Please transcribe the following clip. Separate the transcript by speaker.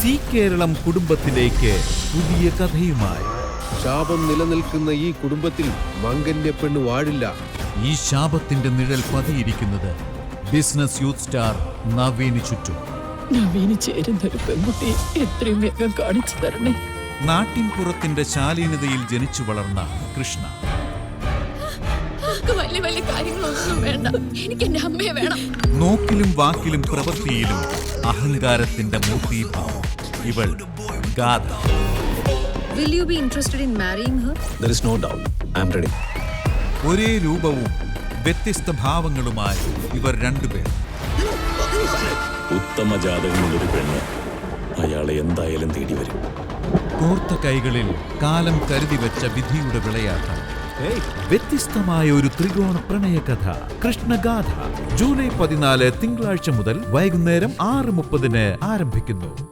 Speaker 1: C Keralam കുടുംബത്തിലേക്ക് പുതിയ കഥയുമായി.
Speaker 2: ശാപം നിലനിൽക്കുന്ന ഈ കുടുംബത്തിൽ മംഗല്യ പെണ്ണ് വാഴില്ല.
Speaker 1: ഈ ശാപത്തിന്റെ നിഴൽ പതിയിരിക്കുന്നത് ബിസിനസ് യൂത്ത് സ്റ്റാർ നവീന് ചുറ്റും.
Speaker 3: നവീന് ചേരുന്നൊരു പെൺകുട്ടി എത്രയും വേഗം കാണിച്ചു തരണേ.
Speaker 1: നാട്ടിൻപുറത്തിന്റെ ശാലീനതയിൽ ജനിച്ചു വളർന്ന കൃഷ്ണ.
Speaker 3: വലിയ വലിയ കാര്യങ്ങളൊന്നും വേണ്ട, എനിക്ക് എന്റെ അമ്മയെ വേണം.
Speaker 1: നോക്കിലും വാക്കിലും പ്രവൃത്തിയിലും അഹങ്കാരത്തിന്റെ മൂർത്തിഭാവം ഇവൾ ഗാഥ.
Speaker 4: Will you be interested in marrying her?
Speaker 5: There is no doubt. I am ready.
Speaker 1: ഒരേ രൂപവും വ്യത്യസ്ത ഭാവങ്ങളുമായി ഇവർ രണ്ടുപേർ.
Speaker 5: ഉത്തമ ജാതകമുള്ളൊരു പെണ്ണ് അയാളെ എന്തായാലും തേടി വരും.
Speaker 1: കോർത്ത കൈകളിൽ കാലം കരുതി വെച്ച വിധിയുടെ വിളയാട്ടം. വ്യത്യസ്തമായ ഒരു ത്രികോണ പ്രണയകഥ കൃഷ്ണഗാഥ. ജൂലൈ 14 തിങ്കളാഴ്ച മുതൽ വൈകുന്നേരം 6:30 ആരംഭിക്കുന്നു.